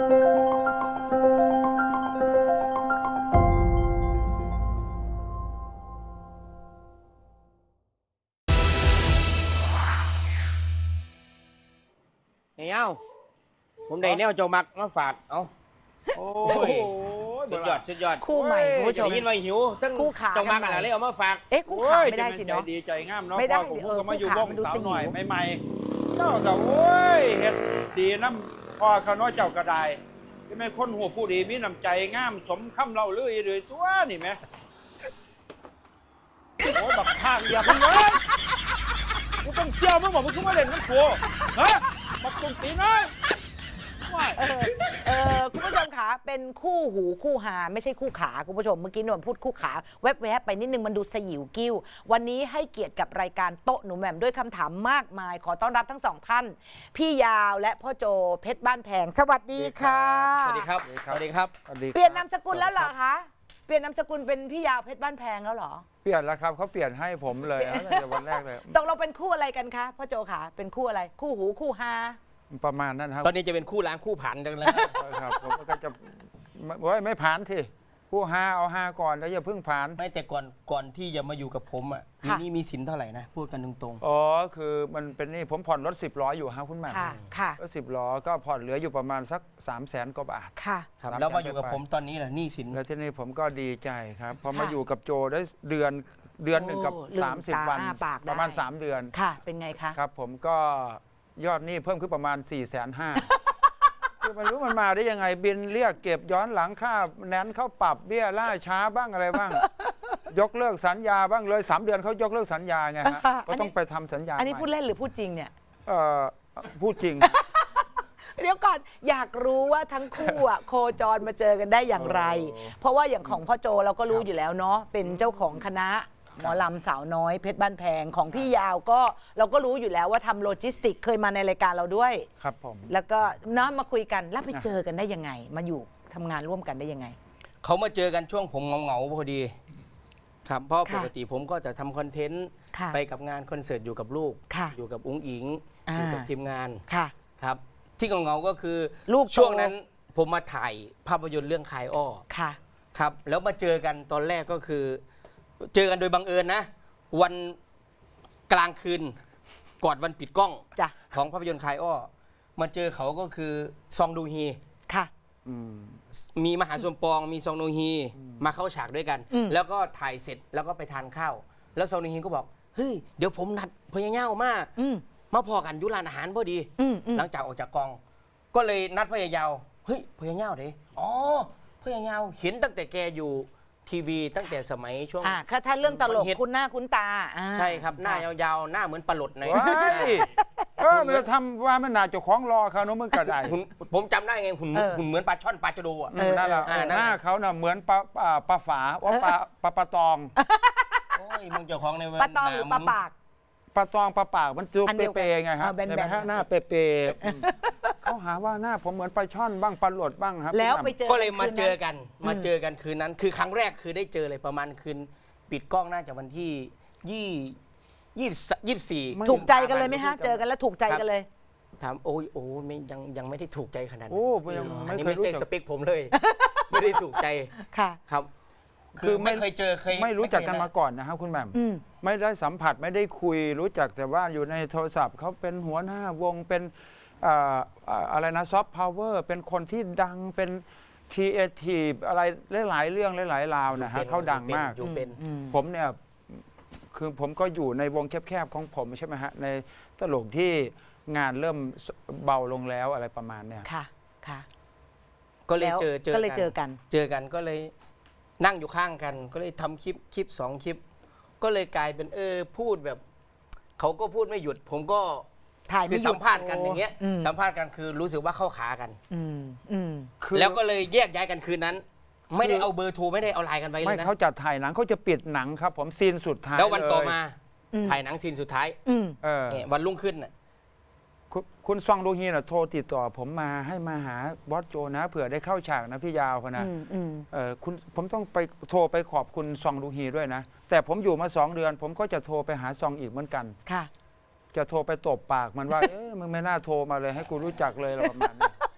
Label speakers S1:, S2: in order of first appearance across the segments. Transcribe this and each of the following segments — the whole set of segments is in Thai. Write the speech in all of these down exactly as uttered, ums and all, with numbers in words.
S1: เอ้าผมได้แนวโจมักมาฝากเอาโอ้ยสุดยอดสุดยอด
S2: คู่ใหม่คุณผู้ชม
S1: ได้ยินว่าหิวทั้ง
S2: คู่ขา
S1: โจมักอะไรเลยเอามาฝาก
S2: เอ๊ะคู่ขาไม่ได้สิเนาะ
S3: ดีใจงามเนาะ
S2: ไม่ได้
S3: ผม
S2: เออ
S3: ก็มาอยู่วง
S2: คู่ขา
S3: สาวหน่อย
S2: มันดูสยิว
S3: ใหม่ๆเจ้าก็โอ้ยเฮ็ดดีน้ำพ่อเขาน้อยเจ้ากระไดที่ไม่คนหัวผู้ดีมีน้ำใจงามสมคำเล่าลือเลยตัวนี่ไหมโอ้ยแบบทางเดียวมึงเลยกูต้องเจียวมึงบอกมึงขึ้นมาเล่นน้ำกูฮะมาตุ้งตีน้อย
S2: เออเออคุณผู้ชมคะเป็นคู่หูคู่หาไม่ใช่คู่ขาคุณผู้ชมเมื่อกี้หนูพูดคู่ขาแวบๆไปนิดนึงมันดูสยิวกิ้ววันนี้ให้เกียรติกับรายการโต๊ะหนูแหม่มด้วยคำถามมากมายขอต้อนรับทั้งสองท่านพี่ยาวและพ่อโจเพชรบ้านแพงสวัสดีค่ะ
S1: สวัสดีครับสวัสดีครับ
S2: เปลี่ยนนามสกุลแล้วเหรอคะเปลี่ยนนามสกุลเป็นพี่ยาวเพชรบ้านแพงแล้วเหรอ
S3: เปลี่ยนแล้วครับเขาเปลี่ยนให้ผมเลยตั้งแต่วันแรกเลย
S2: ตกลงเป็นคู่อะไรกันคะพ่อโจค่ะเป็นคู่อะไรคู่หูคู่ฮา
S3: ประมาณนั้นครับ
S1: ตอนนี้จะเป็นคู่ล้างคู่ผันกันแล้ว
S3: ครับผมก็จะไม่ไม่ผ่านสิผู้หาเอาหาก่อนแล้วอย่าเพิ่งผ่าน
S1: ไม่แต่ก่อนก่อนที่จะมาอยู่กับผมอ่ะมีนี่มีสินเท่าไหร่นะพูดกันตรง
S3: ๆอ๋อคือมันเป็นนี่ผมผ่อนรถสิบล้ออยู่ครับคุณแม่
S2: ค่ะ
S3: รถสิบล้อก็ผ่อนเหลืออยู่ประมาณสักสามแสนกว่าบาท
S2: ค่ะ
S1: แล้วมาอยู่กับผมตอนนี้แหละนี่สิน
S3: แล้วที่นี่ผมก็ดีใจครับพอมาอยู่กับโจได้เดือนเดือนหนึ่งกับสามสิบวันประมาณสามเดือน
S2: ค่ะเป็นไงคะ
S3: ครับผมก็ยอดหนี้เพิ่มขึ้นประมาณสี่แสนห้าคือมันรู้มันมาได้ยังไงบินเรียกเก็บย้อนหลังค่าแนนเข้าปรับเบี้ยล่าช้าบ้างอะไรบ้างยกเลิกสัญญาบ้างเลยสามเดือนเขายกเลิกสัญญาไงฮะก็ต้องไปทำสัญญา
S2: อันนี้พูดเล่นหรือพูดจริงเนี่ย
S3: เออพูดจริง
S2: เดี๋ยวก่อนอยากรู้ว่าทั้งคู่อ่ะโคจรมาเจอกันได้อย่างไรเพราะว่าอย่างของพ่อโจเราก็รู้อยู่แล้วเนาะเป็นเจ้าของคณะหมอลำสาวน้อยเพชรบ้านแพงของพี่ยาวก็เราก็รู้อยู่แล้วว่าทำโลจิสติกเคยมาในรายการเราด้วย
S3: ครับผม
S2: แล้วก็น้ามาคุยกันแล้วไปเจอกันได้ยังไงมาอยู่ทำงานร่วมกันได้ยังไง
S1: เขามาเจอกันช่วงผมเหงาๆพอดีครับเพราะปกติผมก็จะทำคอนเทนต์ไปกับงานคอนเสิร์ตอยู่กับลูกอยู่กับอุ้งอิงอยู่กับทีมงานครับที่เหงาๆก็คือ
S2: ลูก
S1: ช่วงนั้นผมมาถ่ายภาพยนตร์เรื่องคายอ้อครับแล้วมาเจอกันตอนแรกก็คือเจอกันโดยบังเอิญนะวันกลางคืนก่อนวันปิดกล้องของภาพยนตร์คายอ้อมาเจอเขาก็คือซองดูฮี
S2: ค่ะ
S1: มีมหาสมปองมีซองดูฮีมาเข้าฉากด้วยกันแล้วก็ถ่ายเสร็จแล้วก็ไปทานข้าวแล้วซองดูฮีก็บอกเฮ้ยเดี๋ยวผมนัดพญาเง่ามากมาพอกันยุร้านอาหารพอดีหลังจากออกจากกองก็เลยนัดพญาเยาเฮ้ยพญาเง่าเด้อ๋อพญาเง่าเห็นตั้งแต่แกอยู่ทีวีตั้งแต่สมัยช่วง
S2: อ่าถ้าเรื่องตลกคุณหน้าคุณตา
S1: ใช่ครับหน้ายาวๆหน้าเหมือนปลาหลดใน
S3: เออมันทำว่ามันน่าจะคล้องรอเขาเนาะมึงกระได
S1: ผมจำได้ไงหุ่นหุ่นเหมือนปลาช่อนปลาจโดอ่ะ
S3: นั่นแหละหน้าเขาน่ะเหมือนปลาปลาฝาว่าปลาปลาปลาตอง
S1: โอ้ยมึงเจ้าของใน
S2: ปลาตองหรือปลาปาก
S3: ปลาตองปลาปากมันจุกเปย์ไงครับแต่ไม่ฮะหน้าเปย์เขาหาว่าหน้าผมเหมือนปลาช่อนบ้างปลาหลดบ้างครับ
S2: แล้วไปเจอ
S1: ก็เลยมาเจอกันมาเจอกันคืนนั้นคือครั้งแรกคือได้เจอเลยประมาณคืนปิดกล้องน่าจะวันที่ยี่ยี่ยี่สี่
S2: ถูกใจกันเลยไหมฮะเจอกันแล้วถูกใจกันเลย
S1: ถามโอ้ยโอ้ไม่ยังยังไม่ได้ถูกใจขนาดนั้น
S3: โอ้
S1: อันนี้ไม่ใช่สเปคผมเลยไม่ได้ถูกใจ
S2: ค่ะ
S1: ครับคือไม่เคยเจอเคย
S3: ไม่รู้จักกันมาก่อนนะครับคุณแหม่มไม่ได้สัมผัสไม่ได้คุยรู้จักแต่ว่าอยู่ในโทรศัพท์เขาเป็นหัวหน้าวงเป็นอะไรนะซอฟต์พาวเวอร์เป็นคนที่ดังเป็นครีเอทีฟอะไรหลายๆเรื่องหลายๆราวนะฮะเขาดังมากผมเนี่ยคือผมก็อยู่ในวงแคบๆของผมใช่ไหมฮะในตลกที่งานเริ่มเบาลงแล้วอะไรประมาณเนี่ย
S2: ค่ะค่ะ
S1: ก็เลยเจอ
S2: ก็เลยเจอกัน
S1: เจอกันก็เลยนั่งอยู่ข้างกันก็เลยทำคลิปคลิปสองคลิปก็เลยกลายเป็นเออพูดแบบเขาก็พูดไม่หยุดผมก็
S2: ถ่าย
S1: คือสัมภาษณ์กันอย่างเงี้ยสัมภาษณ์กันคือรู้สึกว่าเข้าขากันแล้วก็เลยแยกย้ายกันคืนนั้นไม่ได้เอาเบอร์โทรไม่ได้เอาไลน์กันไว้เลยนะ
S3: ไม่เขาจะถ่ายหนังเขาจะปิดหนังครับผมซีนสุดท้าย
S1: แล้ววันต่อมาถ่ายหนังซีนสุดท้ายวันรุ่งขึ้นน่ะ
S3: คุณซองดูฮีน่ะโทรติดต่อผมมาให้มาหาบอสโจนะเผื่อได้เข้าฉากนะพี่ยาวพนะเออคุณผมต้องไปโทรไปขอบคุณซองดูฮีด้วยนะแต่ผมอยู่มาสองเดือนผมก็จะโทรไปหาซองอีกเหมือนกัน
S2: ค่ะ
S3: จะโทรไปตบปากมันว่าเอ๊ะมึงไม่น่าโทรมาเลยให้กูรู้จักเลยอะไรประมาณนี้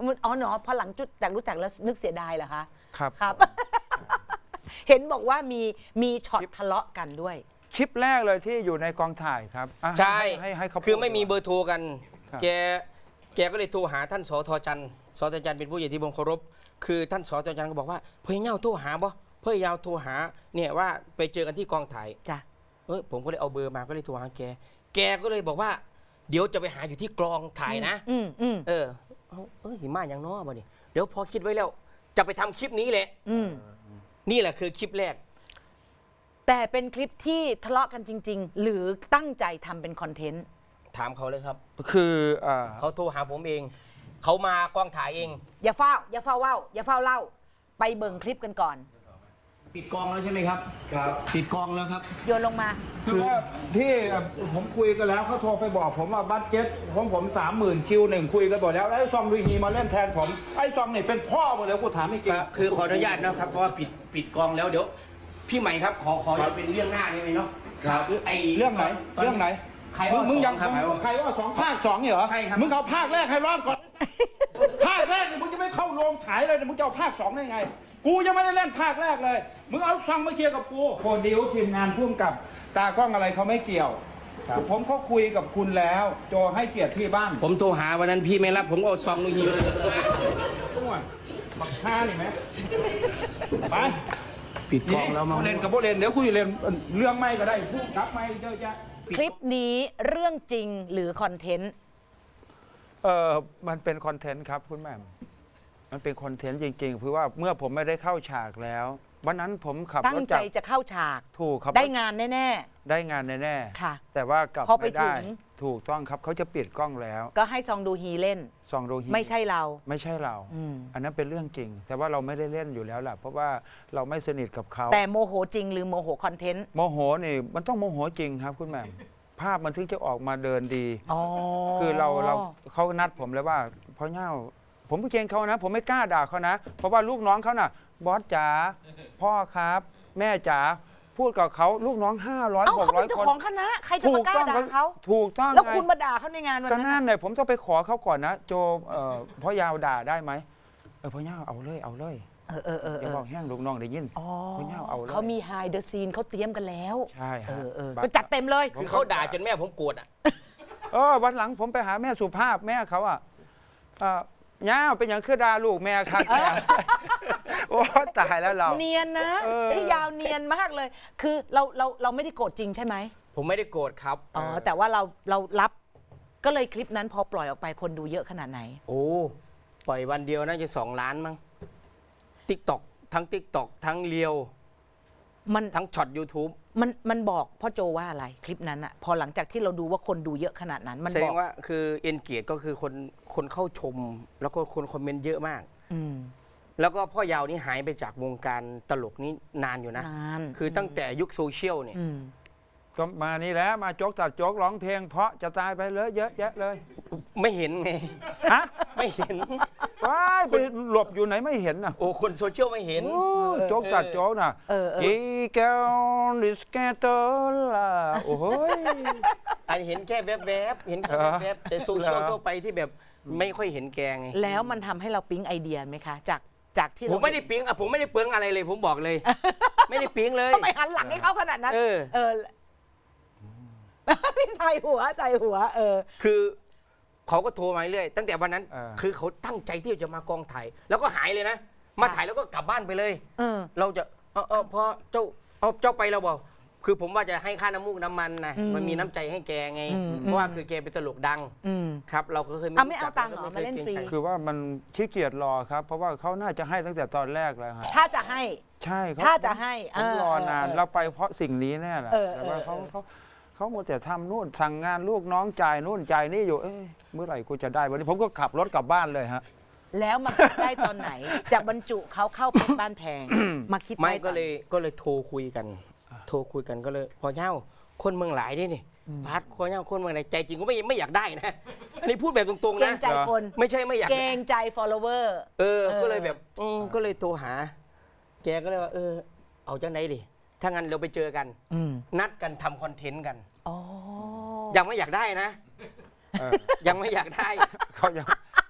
S2: มันอ๋อเนาะพอหลังจุดจากรู้จักแล้วนึกเสียดายเหรอคะ
S3: ครับ
S2: ครับ เห็นบอกว่ามีมีช็อตทะเลาะกันด้วย
S3: คลิปแรกเลยที่อยู่ในกองถ่ายครับอ่ะ
S1: ใช่
S3: ให้ให้เขา
S1: คือไม่มี
S3: พูด
S1: เบอร์โทรกัน
S3: ครับ
S1: แกแกก็เลยโทรหาท่านสทจันทร์สทจันทร์เป็นผู้ใหญ่ที่ผมเคารพคือท่านสทจันทร์ก็บอกว่าเพื่อนเงาโทรหาบ่เพื่อนยาวโทรหาเนี่ยว่าไปเจอกันที่กองถ่าย
S2: จ้ะ
S1: เออผมก็เลยเอาเบอร์มาก็เลยโทรหาแก แกก็เลยบอกว่า เดี๋ยวจะไปหาอยู่ที่กองถ่ายนะ
S2: อืมอืม
S1: เออเอาเออหิมะอย่างน้อบ่นี่เดี๋ยวพอคิดไว้แล้ว จะไปทำคลิปนี้แหละ
S2: อืม
S1: นี่แหละคือคลิปแรก
S2: แต่เป็นคลิปที่ทะเลาะกันจริง ๆ หรือตั้งใจทำเป็นคอนเทนต์
S1: ถามเขาเลยครับ
S3: คืออ่า
S1: เขาโทรหาผมเอง เขามากองถ่ายเอง
S2: อย่าเฝ้า อย่าเฝ้าเว้าอย่าเฝ้าเล่า ไปเบิ่งคลิปกันก่อน
S1: ปิดกองแล้วใช่ไหมครับ
S4: ครับ
S1: ปิดกองแล้วครับ
S2: โยนลงมา
S3: คือว่าที่ผมคุยกันแล้วเขาโทรไปบอกผมว่าบัตเจ็ตของผมสามหมื่นคิวหนึ่งคุยกันหมดแล้วไอ้ซองลุยฮีมาเล่นแทนผมไอ้ซองนี่เป็นพ่อหมดแล้วกูถามไม่จริง
S1: ครับคือขออนุญาตนะครับเพราะว่าปิดปิดกองแล้วเดี๋ยว พี่ใหม่ครับขอขอจะเป็นเรื่องหน้าได้ไหมเนาะ
S4: ครับ
S1: ไอ
S3: เรื่องไหน
S1: ตน
S3: เรื่องไหน
S1: ใคร
S3: มึ
S1: ว่าง
S3: มึงยัง
S1: สอครับ
S3: ใครว่าสองภาคสองเนี่ยเหรอ
S1: ใช่ครับ
S3: มึงเอาภาคแรกให้รอดก่อน ภาคแรกเนี่ยมึงจะไม่เข้าโรงฉายเลยเนี่ยมึงจะเอาภาคสองได้ไง กูยังไม่ได้เล่นภาคแรกเลย มึงเอาซองมาเคลียร์กับกูโปรดิวทีมงานพ่วงกับตากล้องอะไรเขาไม่เกี่ยว ผมก็คุยกับคุณแล้ว โจให้เกียรติที่บ้าน
S1: ผมโทรหาวันนั้นพี่ไม่รับผมก็เอาซองนุยี
S3: ต้วนบักห้านี่ไหมไป
S1: ปิดกองแล้วมั้ง
S3: เล่นกับพวกเล่นเดี๋ยวคุยเล่นเรื่องไม่ก็ได้พูดกับไม่เยอะแยะ
S2: คลิปนี้เรื่องจริงหรือคอนเทนต์
S3: เออมันเป็นคอนเทนต์ครับคุณแหม่มมันเป็นคอนเทนต์จริงๆเพราะว่าเมื่อผมไม่ได้เข้าฉากแล้ว วันนั้นผมขับ
S2: ตั้
S3: รง ถ
S2: ใจ
S3: จาก
S2: จะเข้าฉาก
S3: ถูกครับ
S2: ได้งานแน่
S3: ได้งานแน่
S2: ๆ ค่ะ
S3: ๆแต่ว่ากลับ
S2: พอไป
S3: ไม่ได้
S2: ถึง
S3: ถูกต้องครับเขาจะปิดกล้องแล้ว
S2: ก็ให้ซองดูฮีเล่น
S3: ซองโดฮี
S2: ไม่ใช่เรา
S3: ไม่ใช่เรา
S2: อืม
S3: อันนั้นเป็นเรื่องจริง แต่ว่าเราไม่ได้เล่นอยู่แล้วล่ะเพราะว่าเราไม่สนิทกับเขา
S2: แต่โมโหจริงหรือโมโหคอนเทนต์
S3: โมโหนี่มันต้องโมโหจริงครับคุณแหม่มภาพมันถึงจะออกมาเดินดี
S2: อ๋อ
S3: คือเราเราเขานัดผมเลยว่าพ่อเง่าผมไม่เกรงเขานะ ผมไม่กล้าด่าเขานะ เพราะว่าลูกน้องเขาน่ะ บอสจ๋าพ่อครับ แม่จ๋าพูดกับเขาลูกน้องห้าร้อย
S2: เอ้า
S3: หก
S2: เขา
S3: ร้
S2: เป็
S3: อย
S2: นเจ้า
S3: คน
S2: ของคณะ ใครจะมากล้าด่าเขา
S3: ถูกต้อง
S2: แล้ว
S3: ไง
S2: คุณมาด่าเขาในงานวัน
S3: ก็
S2: นั้น
S3: นั่น
S2: น่ะ
S3: เลยผมต้องไปขอเขาก่อนนะ โจเอ่อพ่อยาวด่าได้ไหมเออพ่อเง่าเอาเลยเอาเลย
S2: เออเออเออ
S3: อย่าบอกแห้งลูกน้องได้ยิน
S2: อ๋อ
S3: พ่อเง่าเอาเลย
S2: เขามีไฮเดอะซีนเขาเตรียมกันแล้ว
S3: ใช่
S2: เอ
S3: ฮะ
S2: อเออ
S3: บัตร
S2: ก็จัดเต็มเลย
S1: คือเขาด่าจนแม่ผมโกรธอ่ะ
S3: เออวันหลังผมไปหาแม่สุภาพแม่เขาอ่ะเอ่อย่าเป็นอย่างคือดาลูกแม่ครับแม่โอ้ตายแล้วเรา
S2: เนียนนะ
S3: เออ
S2: พี่ยาวเนียนมากเลย คือเราเราเราไม่ได้โกรธจริงใช่ไหม
S1: ผมไม่ได้โกรธครับ
S2: อ๋อแต่ว่าเราเรารับก็เลยคลิปนั้นพอปล่อยออกไปคนดูเยอะขนาดไหน
S1: โอ้ปล่อยวันเดียวน่าจะสองล้านมั้งติ๊กตอกทั้งติ๊กตอกทั้งเรียว
S2: มัน
S1: ทั้งช็อต YouTube
S2: มันมันบอกพ่อโจว่าอะไรคลิปนั้นอะพอหลังจากที่เราดูว่าคนดูเยอะขนาดนั้น มัน
S1: แสด
S2: บอง ก
S1: ว่าคือเอนเกียก็คือคนคนเข้าชม แล้วก็คนคอมเมนต์เยอะมาก
S2: อืม
S1: แล้วก็พ่อยาวนี่หายไปจากวงการตลกนี่นานอยู่นะ
S2: นาน
S1: คือตั้งแต่ยุคโซเชียลเนี่ย
S2: อืม
S3: ก็มานี่แหล้วมาโจกตัดโจกร้องเพลง เพราะจะตายไปเลยเยอะแยะเลย
S1: ไม่เห็นไง
S3: ฮะ
S1: ไม่เห็น
S3: ว้ายไปหลบอยู่ไหนไม่เห็นน่ะ
S1: โอ้คนโซเชียลไม่เห็น
S3: โอ้โจกตัดโจกน่ะ
S2: เออเออ
S3: อีแกลดิสแกเตอร์ล่ะโอ้ย
S1: อันเห็นแค่แวบๆเห็นแค่
S3: เหรอ
S1: แวบๆแต่โซเชียล
S3: เหรอ
S1: ทั่วไปที่แบบไม่ค่อยเห็นแกไง
S2: แล้วมันทำให้เราปิ๊งไอเดียไหมคะ จากจากที่
S1: ผม
S2: เรา
S1: ไม่ได้ปิ๊งอ่ะผมไม่ได้เปลืองอะไรเลย ผมบอกเลย ไม่ได้ปิ๊งเลย
S2: ทำไมหันหลังให้เขาขนาดนั้น
S1: เออ
S2: เออพี่ใส่หัวใส่หัว เออ
S1: คือเขาก็โทรมาเรื่อยตั้งแต่วันนั้น
S3: เออ
S1: คือเขาตั้งใจที่จะมากองถ่ายแล้วก็หายเลยนะ มาถ่ายแล้วก็กลับบ้านไปเลย
S2: เออ
S1: เราจะเออเออพอเจ้าเอาเจ้าไปเราบอก คือผมว่าจะให้ค่าน้ำมูกน้ำมันนะ
S2: อืม
S1: มันมีน้ำใจให้แกไง
S2: อืม
S1: เพราะว่าคือแกเป็นตลกดัง
S2: อืม
S1: ครับ เราก็เคย
S2: เอาไม่เอา
S1: รู้จัก
S2: ตังค์เหรอ
S1: แวก็
S2: มาเล่น
S1: คยกง
S2: ฟรี
S1: ใจ
S3: คือว่ามันขี้เกียจรอครับ เพราะว่าเขาน่าจะให้ตั้งแต่ตอนแรกแล้วฮะ
S2: ถ้าจะให้
S3: ใช่เข
S2: ถ้าจะให้
S3: ผมรอนาน
S2: เออ
S3: เราไปเพราะสิ่งนี้แน่แหละ
S2: เออ
S3: แต่ว่า
S2: เอ
S3: เขา
S2: อ
S3: เขาเขาหมดแต่ทำนู่นสั่งงานลูกน้องจ่ายนู่นจ่ายนี่อยู่เอ้ยเมื่อไหร่กูจะได้วันนี้ผมก็ขับรถกลับบ้านเลยฮะ
S2: แล้วมาคิดได้ตอนไหน จะบรรจุเขาเข้าเพชรบ้านแพง มาคิด
S1: ไม่
S2: ด้ต
S1: ก็
S2: อน
S1: เลยก็เลยโทรคุยกัน โทรคุยกันก็เลย พอเช่าคนเมืองหลายด้วยนี่พัดคนเช่าคนเมืองไหนใจจริงก็ไม่ไม่อยากได้นะอันนี้พูดแบบตรง
S2: เกร
S1: ๆนะ
S2: งใจคน
S1: ไม่ใช่ไม่อยาก
S2: เกรงใจ follower
S1: เออ
S2: เออ
S1: ก็เลยแบบอืมก็เลยโทรหา แกก็เลยว่า เออ เอาจังไหนดิถ้างั้นเราไปเจอกัน
S2: อืม
S1: นัดกันทำคอนเทนต์กัน
S2: อ๋อ
S1: ยังไม่อยากได้นะ
S3: เออ
S1: ยังไม่อยากได้
S3: เขายัง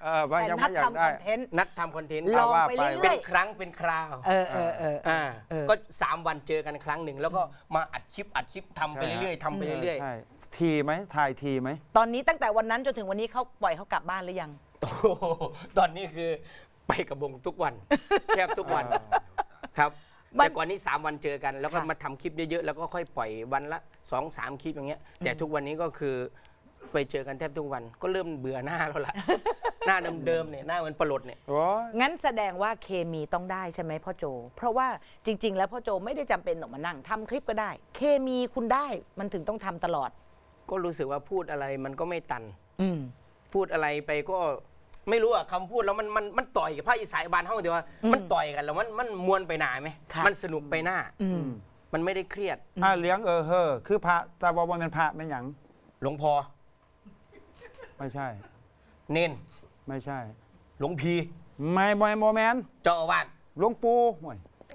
S3: เออว่า
S2: แต่
S3: ยัง
S2: นั
S3: ไม่
S2: ด
S3: อยาก
S2: ทำค
S3: ได้
S2: อนเทนต์
S1: นัดทำคอนเทนต์
S2: ลอง
S3: ว่า
S2: ไป
S3: ไป
S2: เรื่
S1: เป็
S2: อย
S1: นครั้งเป็นคราว
S2: ๆเออเออเออ
S1: อ่า
S2: เออ
S1: ก็สามวันเจอกันครั้งหนึ่งแล้วก็มาอัดคลิปอัดคลิปทำไป
S3: ใช่ฮะ
S1: เรื่อยๆทำไปเรื่อย
S3: ใช่ทีไหมถ่ายทีไหม
S2: ตอนนี้ตั้งแต่วันนั้นจนถึงวันนี้เขาปล่อยเขากลับบ้านหรือยัง
S1: ๆโอ้โหตอนนี้คือไปกับวงทุกวัน แทบทุกวันครับ
S2: มัน
S1: แต่ก่อนนี้สามวันเจอกัน แล้วก็
S2: ค่ะ
S1: มาทำคลิปเยอะๆแล้วก็ค่อยปล่อยวันละสองสามคลิปอย่างเงี้ยแต่ทุกวันนี้ก็คือไปเจอกันแทบทุกวันก็เริ่มเบื่อหน้าแล้วล่ะ หน้าเดิมๆเนี่ยหน้าเหมือนปลดเนี่ย
S3: โอ้ย
S2: งั้นแสดงว่าเคมีต้องได้ใช่ไหมพ่อโจ เพราะว่าจริง ๆ แล้วพ่อโจไม่ได้จำเป็นต้องมานั่งทำคลิปก็ได้ เคมีคุณได้มันถึงต้องทำตลอด
S1: ก็รู้สึกว่าพูดอะไรมันก็ไม่ตัน
S2: อืม
S1: พูดอะไรไปก็ไม่รู้อะคำพูดแล้วมันมันมันต่อยกับภาคอีสานบานห้องเดียวว่ามันต่อยกันแล้วมันมันมวนไปหนาไหม
S2: ค่ะ
S1: มันสนุกไปหน้า
S2: อืม
S1: มันไม่ได้เครียด
S3: อ่าเลี้ยงเออเฮอคือพระแต่ว่ามันเป็นพระไม่หยัง
S1: หลวงพ่อ
S3: ไม่ใช่
S1: เน้น
S3: ไม่ใช่
S1: หลวงพี
S3: ไม่ไม่โมแมน
S1: เจ้าอาวาส
S3: หลวงปู่ห่วย
S1: โอ้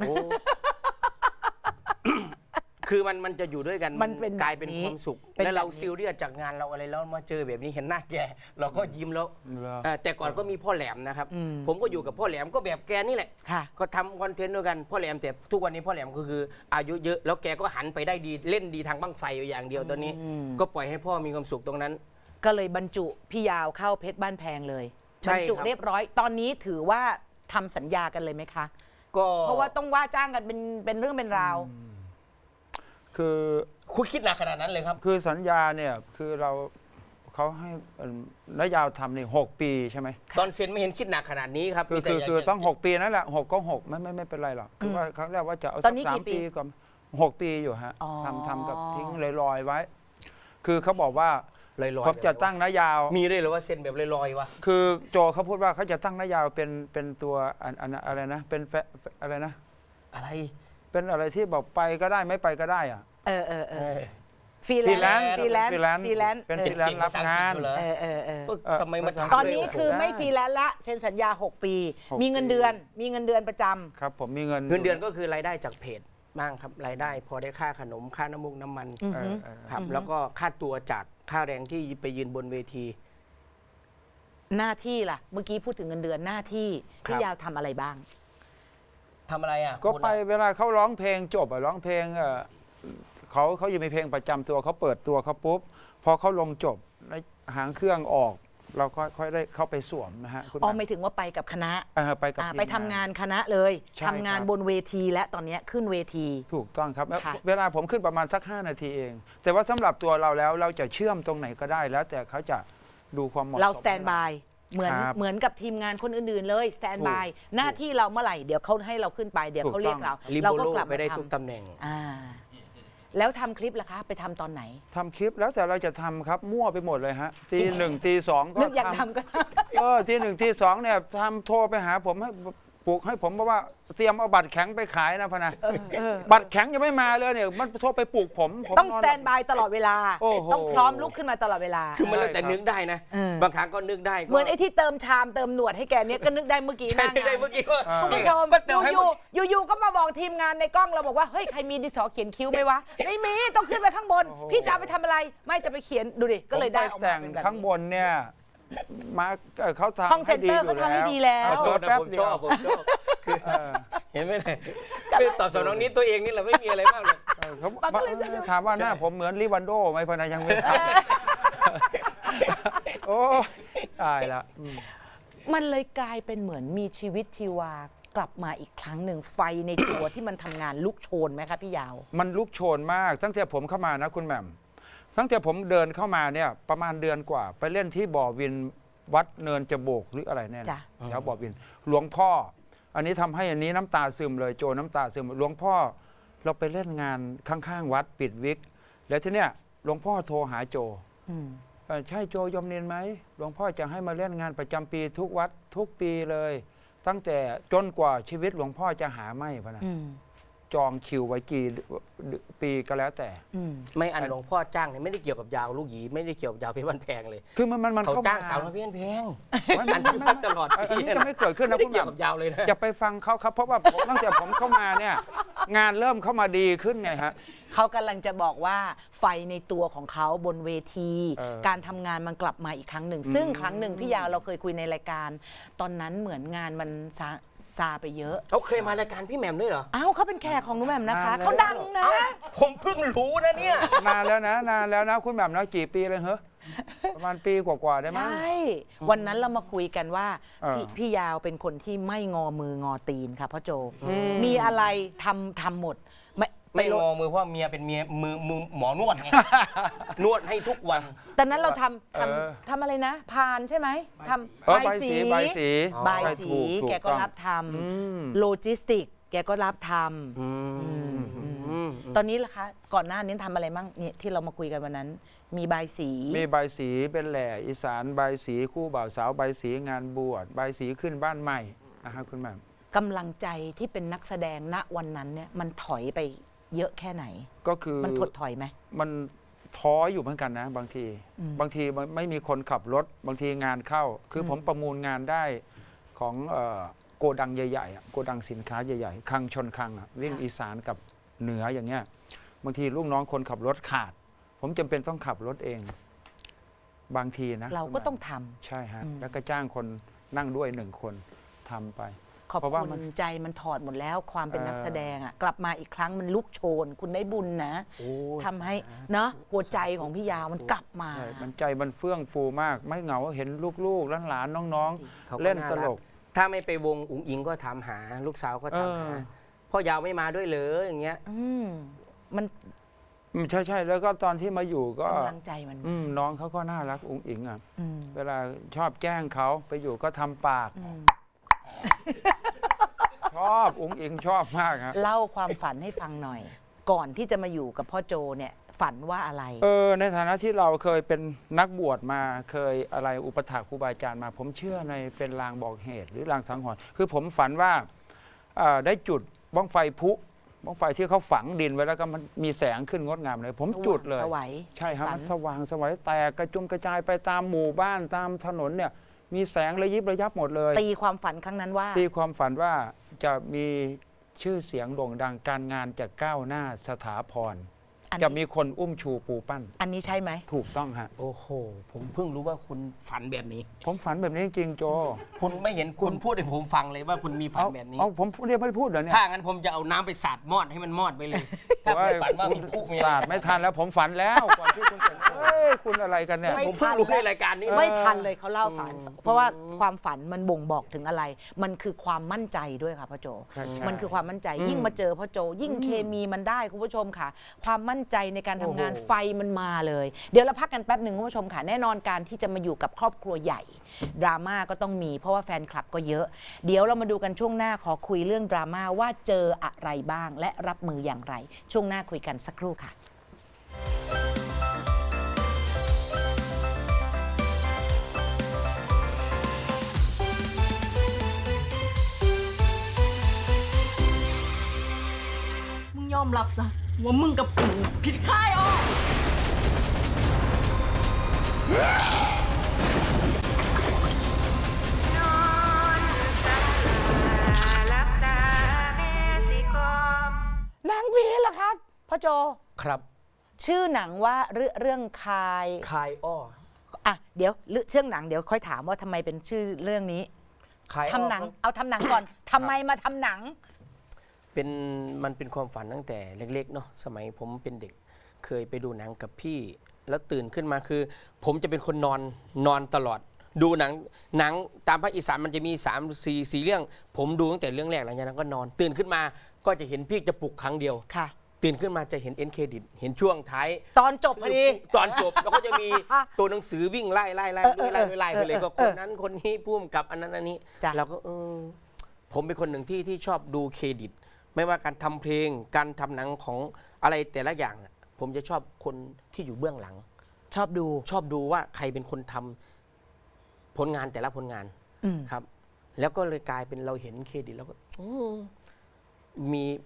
S1: คือมันมันจะอยู่ด้วยกัน
S2: มันเป็น
S1: กลายเป็น
S2: แบบนี้
S1: ความสุข
S2: เป็น
S1: แล้วเรา
S2: แบบนี้
S1: ซีเรียสจากงานเราอะไรแล้วมาเจอแบบนี้เห็นหน้าแกเราก็ยิ้มแล้ว
S3: เหรอ
S1: อ่าแต่ก่อนก็มีพ่อแหลมนะครับ
S2: อืม
S1: ผมก็อยู่กับพ่อแหลมก็แบบแกนี่แหละ
S2: ค่ะ
S1: ก็ทำคอนเทนต์ด้วยกันพ่อแหลมแต่ทุกวันนี้พ่อแหลมก็คืออายุเยอะแล้วแกก็หันไปได้ดีเล่นดีทางบั้งไฟอยู่อย่างเดียวตอนนี้
S2: อืม
S1: ก็ปล่อยให้พ่อมีความสุขตรงนั้น
S2: ก็เลยบรรจุพี่ยาวเข้าเพชรบ้านแพงเลย
S1: ใช่
S2: บรรจุ
S1: ครับ
S2: เรียบร้อย ตอนนี้ถือว่าทำสัญญากันเลยไหมคะ
S1: ก็
S2: เพราะว่าต้องว่าจ้างกันเป็นเป็นเรื่องเป็นราว
S3: คือ
S1: คุณคิดหนักขนาดนั้นเลยครับ
S3: คือสัญญาเนี่ยคือเราเขาให้เอ่อระยะทำนี่หกปีใช่ไหม
S1: ตอนเซ็นไม่เห็นคิดหนักขนาดนี้ครับ
S3: คือ
S1: มีแต่
S3: คือ
S1: อยาก
S3: คือ
S1: จะ
S3: ต้องหกปีนั่นแหละหกก็หกไม่ไม่ไม่เป็นไรหรอกคือว่าครั้งแรกว่าจะเอา
S2: ต
S3: สั
S2: อน
S3: ก
S2: นี้
S3: สา
S2: กี่
S3: ม
S2: ปี
S3: ปีก่อนหกปีอยู่ฮะ
S2: อ๋อ
S3: ทำทำกับทิ้งลอยๆไว้ คือเขาบอกว่า
S1: ลอยๆ
S3: ผมจะตั้งระยาว
S1: มีด้วยเหรือว่าเซ็นแบบลอยๆวะ
S3: คือโจเขาพูดว่าเขาจะตั้งระยาวเป็นเป็นตัวอันอันอะไรนะเป็นแฟอะไรนะ
S1: อะไร
S3: เป็นอะไรที่บอกไปก็ได้ไม่ไปก็ได้อะ
S2: เออเออเอ
S1: เอ
S2: อ
S1: อ
S2: ฟรี
S3: ฟรี
S2: แล
S3: แล
S2: น
S3: น
S2: ซ์
S3: ซ์
S2: ฟรีแลนซ์
S3: ฟรีแลนซ์
S2: ฟรีแลนซ์
S3: เป็น
S2: เออ
S3: ฟรีแลนซ์รับงาน
S1: เก่งภาษาอังกฤษอยู่เหรอ
S2: เออเออเออ
S1: เออ
S3: เออ
S1: ทำไมมา
S3: ภาษา
S1: ทำ
S2: ตอนนี้
S1: ด้วยวะ
S2: คือไม่ฟรีแลนซ์ละเซ็นสัญญา หก ปี
S3: หก
S2: มีเงิน
S3: ปี
S2: เดือน มีเงินเดือนประจำ
S3: ครับผมมีเงิน
S1: เงินเดือนก็คือรายได้จากเพจบ้างครับรายได้พอได้ค่าขนมค่าน้ำมูกน้ำมัน
S2: อืม
S3: เออเออ
S1: ครับแล้วก็ค่าตัวจากค่าแรงที่ไปยืนบนเวที
S2: หน้าที่ล่ะ เมื่อกี้พูดถึงเงินเดือนหน้าที่
S1: ครับ
S2: พี่ยาวทำอะไรบ้าง
S1: ทำอะไรอ่ะ
S3: ก็
S1: คุณ
S3: ไป
S1: อะ
S3: เวลาเขาร้องเพลงจบอะร้องเพลงเออเขาเขาอยู่มีเพลงประจำตัวเขาเปิดตัวเขาปุ๊บพอเขาลงจบแล้วหางเครื่องออก เราก็ค่อยได้เข้าไปสวมนะฮะคุณ
S2: อ๋อ
S3: แม่
S2: ไม่ถึงว่าไปกับคณะ
S3: เออไปกับ
S2: อ่า
S3: ทีม
S2: ไปทำงานคณะเลย
S3: ใช่
S2: ทำงาน
S3: ครับ
S2: บนเวทีและตอนเนี้ยขึ้นเวที
S3: ถูกต้องครับแล้ว
S2: ค่ะ
S3: เวลาผมขึ้นประมาณสักห้านาทีเอง แต่ว่าสำหรับตัวเราแล้วเราจะเชื่อมตรงไหนก็ได้แล้ว แต่เขาจะดูความเหมาะสม
S2: เราสแตนบายเหมือน
S3: ครับ
S2: เหมือนกับทีมงานคนอื่นๆเลยสแตนบาย
S3: ถูก
S2: หน้าที่เราเมื่อไหร่เดี๋ยวเขาให้เราขึ้นไปเดี๋ยว
S3: ถูก
S2: เขาเรียก
S3: ต้อง
S2: เรา
S1: ลิ
S2: เรา
S1: โบ
S2: ก็
S1: โล
S2: กลับ
S1: ไป
S2: มา
S1: ได้
S2: ท
S1: ทุกตำแหน่ง
S2: ำอ่า แล้วทำคลิปล่ะคะ ไปทำตอนไหน
S3: ทำคลิปแล้วแต่เราจะทำครับมั่วไปหมดเลยฮะตีหนึ่งตีสองก็
S2: นึกอยาก
S3: ทำ
S2: ทำก็
S3: เออทีหนึ่งทีสองเนี่ยทำโทรไปหาผมให้ปลุกให้ผมบอกว่าเตรียมเอาบัตรแข็งไปขายนะพะนะบัตรแข็งยังไม่มาเลยเนี่ยมันโทรไปปลุกผมผม
S2: ต้อง
S3: น
S2: สแตนบายตลอดเวลา
S3: โอ้โห
S2: ต้องพร้อมลุกขึ้นมาตลอดเวลา
S1: คือมันแล้วแต่
S3: ใช่ครับ
S1: นึกได้นะ
S2: เออ
S1: บางครั้งก็นึกได้ก็
S2: เหมือนไอ้ที่เติมชามเติมหนวดให้แกเนี้ยก็นึกได้เมื่อกี้ห
S1: ใช่
S2: น้า
S1: นึกได้
S2: งาน
S1: เมื่อกี้ว่า
S3: อ่า
S2: คุณผู้ชม
S1: ก็เติมให้
S2: อยู่ๆอยู่ๆก็มาบอกทีมงานในกล้องเราบอกว่าเฮ้ยใครมีดินสอเขียนคิ้วไหมวะไม่มีต้องขึ้นไปข้างบน พี่จะเอาไปทำอะไรไม่จะไปเขียนดูดิก็เลยได้ออก
S3: ผมป
S2: มา
S3: แต่ง
S2: เป็นแบบ
S3: ข้างบ
S2: นี้
S3: นเนี่ยมาเอ่อเขาทำ
S2: ห้องเซ็นเตอร์
S3: ให้
S2: เขาทำให้ดีแล้ว
S1: ขอโทษนะ
S3: แป๊บ
S1: ผม
S3: เดี
S1: ช
S3: ยว
S1: อบผมชอบคือ
S3: เออ
S1: เห็นไหมเนี่ยคือตอบสนองนี้ตัวเองนี่แหละไม่มีอะไรมากเลย
S3: เออเขา
S2: มันก็เลยสนุก
S3: ถามว่าหน้าผมเหมือนลิวันโดไหมพะนะยังไม่ทำโอ้ตายละอืม
S2: มันเลยกลายเป็นเหมือนมีชีวิตชีวากลับมาอีกครั้งหนึ่งไฟในตัวที่มันทำงานลุกโชนไหมคะพี่ยาว
S3: มันลุกโชนมาก ตั้งแต่ผมเข้ามานะคุณแหม่มตั้งแต่ผมเดินเข้ามาเนี่ยประมาณเดือนกว่า ไปเล่นที่บ่อวินวัดเนินจโบกหรืออะไรเนี่ย
S2: จ้ะ
S3: แถวบ่อวิน หลวงพ่อ อันนี้ทำให้อันนี้น้ำตาซึมเลยโจน้ำตาซึมหลวงพ่อเราไปเล่นงานข้างๆวัดปิดวิก แล้วทีเนี้ยหลวงพ่อโทรหาโจ
S2: อืม
S3: เอ่อใช่โจยมนินไหมหลวงพ่อจะให้มาเล่นงานประจำปีทุกวัดทุกปีเลย ตั้งแต่จนกว่าชีวิตหลวงพ่อจะหาไม่พะนะ
S2: อืม
S3: จองคิวไว้กี่ปีก็แล้วแต่
S2: อืม
S1: ไม่อันหลวงพ่อจ้างเนี่ยไม่ได้เกี่ยวกับยาวลูกหยีไม่ได้เกี่ยวกับยาวเพชรบ้านแพงเลย
S3: คือมันมันมัน
S1: เขา
S3: เข้า
S1: จ้าง
S3: มา
S1: สาวน้อยเพชรบ้านแพง
S3: ไม่
S1: อั
S3: ไม่
S1: น
S3: ไม่
S1: นี้ตลอด
S3: อั
S1: ปี
S3: นนี้
S1: นะ
S3: จะไม่เกิดขึ้น
S1: ไม่
S3: นะ
S1: ได้
S3: คุณ
S1: เกี่ยว
S3: แบ
S1: กับบ ยาวเลยนะ
S3: อย่าไปฟังเขาครับเพราะว่าผมตั้งแต่ผมเข้ามาเนี่ยงานเริ่มเข้ามาดีขึ้นไงฮะ
S2: เขากำลังจะบอกว่าไฟในตัวของเขาบนเวที
S3: เออ
S2: การทำงานมันกลับมาอีกครั้งหนึ่ง ซึ่งครั้งหนึ่งพี่ยาวเราเคยคุยในรายการ ตอนนั้นเหมือนงานมันซาซาไปเยอะ
S1: เขาเคยมารายการพี่แหม่มด้วยเหรอ
S2: อ้าวเขาเป็นแขกของหนุแหม่มนะคะ
S3: นานแล้ว
S2: เขาดังนะ
S1: ผมเพิ่งรู้นะเนี่ย
S3: นานแล้วนะนานแล้วนะคุณแบบนะกี่ปีเลยเหรอประมาณปีกว่าๆได้ไหม
S2: ใช่ วันนั้นเรามาคุยกันว่า
S3: เออ
S2: พี่พี่ยาวเป็นคนที่ไม่งอมืองอตีนค่ะพ่อโจ มีอะไรทำทำหมด ไม่
S1: ไม่
S2: ล
S1: ง
S2: ด
S1: อมือเพราะเมียเป็นเมียมือมือหมอนวดไง นวดให้ทุกวัน
S2: ตอนนั้นเราทำ
S3: เออ
S2: ทำทำอะไรนะ พานใช่ไหมทำ
S3: เออใบสีใบสี
S2: ใบาย
S3: ใบ
S2: สี
S3: ถูถู
S2: แกก็
S3: ต้อง
S2: รับท
S3: อืม
S2: ำโลจิสติก แกก็รับท
S1: อืม
S2: ำ
S1: อืม
S2: ตอนนี้ล่ะคะ ก่อนหน้านี้ทำอะไรมั่งเนี่ยที่เรามาคุยกันวันนั้น มีใบายสี
S3: มีใบสีเป็นแหล่อีสานใบสีคู่บ่าวสาวใบสีงานบวชใบสีขึ้นบ้านใหม่นะฮะคุณแม่
S2: กำลังใจที่เป็นนักแสดงณวันนั้นเนี่ยมันถอยไปเยอะแค่ไหน
S3: ก็คือ
S2: มันถดถอยไหม
S3: มันท้ออยู่เหมือนกันนะ บางที
S2: อืม
S3: บางทีมันไม่มีคนขับรถ บางทีงานเข้า คืออ
S2: ม
S3: ผมประมูลงานได้ของเอ่อโกดังใหญ่ๆอะโกดังสินค้าใหญ่ๆคลังชนคลังอะวิ่งอีสานกับเหนืออย่างเงี้ยบางทีลูกน้องคนขับรถขาด ผมจำเป็นต้องขับรถเอง บางทีนะ
S2: เราก็ต้องทำ
S3: ใช่ฮะ
S2: อืม
S3: แล้วก็จ้างคนนั่งด้วยหนึ่งคนทำไป
S2: ขอบ
S3: เพราะว่า
S2: คุ
S3: มัน
S2: ณใจมันถอดหมดแล้วความเป็น
S3: เอ่อ
S2: นักแสดงอ่ะกลับมาอีกครั้งมันลุกโชน คุณได้บุญนะ
S1: โอ้
S2: ทำให้เนาะหัวใจของพี่ยาวมันกลับมา
S3: ใช่มันใจมันเฟื่องฟูมาก ไม่เหงาเห็นลูกๆหลานๆน้อง
S1: เขา
S3: ๆ
S1: ก็
S3: เล่น
S1: น่า
S3: ต
S1: รั
S3: ล
S1: ก
S3: ก
S1: ถ้าไม่ไปวงอุ๋งอิงก็ถามหา ลูกสาวก็ถามหา
S3: เออ
S1: พ่อยาวไม่มาด้วยเลยอย่างเงี้ย
S2: อืมมัน
S3: อืมใช่ใช่แล้วก็ตอนที่มาอยู่ก็
S2: กำลังใจมัน
S3: อืมน้องเขาก็น่ารักอุ๋งอิงอ่ะ
S2: อืม
S3: เวลาชอบแกล้งเขาไปอยู่ก็ทำปาก
S2: อืม
S3: ชอบอุ๋งอิงชอบมากฮะ
S2: เล่าความฝันให้ฟังหน่อย ก่อนที่จะมาอยู่กับพ่อโจเนี่ย ฝันว่าอะไร
S3: เออในฐานะที่เราเคยเป็นนักบวชมาเคยอะไรอุปถากครูบาอาจารย์มา ผมเชื่อในเป็นลางบอกเหตุ หรือลางสังหรณ์คือผมฝันว่าเอ่อได้จุดบ้องไฟพุบ้องไฟที่เขาฝังดินไว้แล้วก็มันมีแสงขึ้นงดงามเลย ผมจุดเลย
S2: สวัย
S3: ใช่ครับ
S2: ฝัน
S3: มันสว่างสวัยแตกกระจุมกระจายไปตามหมู่บ้านตามถนนเนี่ยมีแสงระยิบระยับหมดเลย
S2: ตีความฝันครั้งนั้นว่า
S3: ตีความฝันว่าจะมีชื่อเสียงโด่งดังการงานจะก้าวหน้าสถาพร
S2: อัน
S3: จะ
S2: นี้
S3: มีคนอุ้มชูปูปั้น
S2: อันนี้ใช่ไหม
S3: ถูกต้องฮะ
S1: โอ้โห ผมเพิ่งรู้ว่าคุณฝันแบบนี้
S3: ผมฝันแบบนี้จริงๆโจ
S1: คุณไม่เห็นคุณพูดให้ผมฟังเลยว่าคุณมีฝัน
S3: เอา
S1: แบบนี้
S3: เอาผมเรียกไม่ได้พูดเหรอเนี่ย
S1: ถ้างั้นผมจะเอาน้ำไปสาดมอดให้มันมอดไปเลย ถ้าไม่ฝันว่ามีคู่มี
S3: ศาสตร์ไม่ทันแล้วผมฝันแล้วก่อนที่คุณจะเอ้ยคุณอะไรกันเนี่ย
S2: ไม่
S1: ผมเพิ่งรู้ในรายการนี้
S2: ไม่ทันเลยเขาเล่าฝัน เพราะว่าความฝันมันบ่งบอกถึงอะไร มันคือความมั่นใจด้วยค่ะพ่อโจ
S3: ใช่ใช่
S2: มันคือความมั่นใจ
S3: อืม
S2: ยิ่งมาเจอพ่อโจ ยิ่งเคมีมันได้คุณผู้ชมค่ะ ความมั่นใจในการทำงาน
S1: โอ้โห
S2: ไฟมันมาเลย เดี๋ยวเราพักกันแป๊บหนึ่งคุณผู้ชมค่ะ แน่นอนการที่จะมาอยู่กับครอบครัวใหญ่ ดราม่าก็ต้องมี เพราะว่าแฟนคลับก็เยอะ เดี๋ยวเรามาดูกันช่วงหน้าขอคุยเรื่องดราม่าว่าเจออะไรบ้าง และรับมืออย่างไร ช่วงหน้าคุยกันสักครู่ค่ะ
S4: มึงยอมรับซะว่ามึงกับกูผิดค่ายออก
S2: หนังผีเหรอครับพ่อโจ
S1: ครับ
S2: ชื่อหนังว่าเรื่องเรื่องคาย
S1: คายอ้อ
S2: อ่ะเดี๋ยวเรื่องเชื่องหนังเดี๋ยวค่อยถามว่าทำไมเป็นชื่อเรื่องนี้
S1: คายอ้อ
S2: ทำหนัง เอาทำหนังก่อนทำไมมาทำหนัง
S1: เป็นมันเป็นความฝันตั้งแต่เล็กๆเนาะสมัยผมเป็นเด็ก เคยไปดูหนังกับพี่ แล้วตื่นขึ้นมาคือ ผมจะเป็นคนนอนนอนตลอด ดูหนังหนังตามภาคอีสานมันจะมี3ามสี่สี่เรื่อง ผมดูตั้งแต่เรื่องแรกหลังจากนั้นก็นอน ตื่นขึ้นมาก็จะเห็นพี่จะปลุกครั้งเดียว
S2: ค่ะ
S1: ตื่นขึ้นมาจะเห็นเอ็นเครดิตเห็นช่วงท้าย
S2: ตอนจบพอดี
S1: ตอนจบแล้วก็จะมีตัวหนังสือวิ่งไล่ไล่ไล่
S2: เออเออ
S1: ไล่ไล่ไล่ไปเลย
S2: เออ
S1: ก็คนนั้นคนนี้พุ่มกับอันนั้นอันนี้
S2: จ้ะ
S1: เราก็เออผมเป็นคนหนึ่งที่ที่ชอบดูเครดิต ไม่ว่าการทำเพลงการทำหนังของอะไรแต่ละอย่างอะผมจะชอบคนที่อยู่เบื้องหลัง
S2: ชอบดู
S1: ชอบดูว่าใครเป็นคนทำผลงานแต่ละผลงาน
S2: อืม
S1: ครับ แล้วก็เลยกลายเป็นเราเห็นเครดิตแล้วก็อืมมี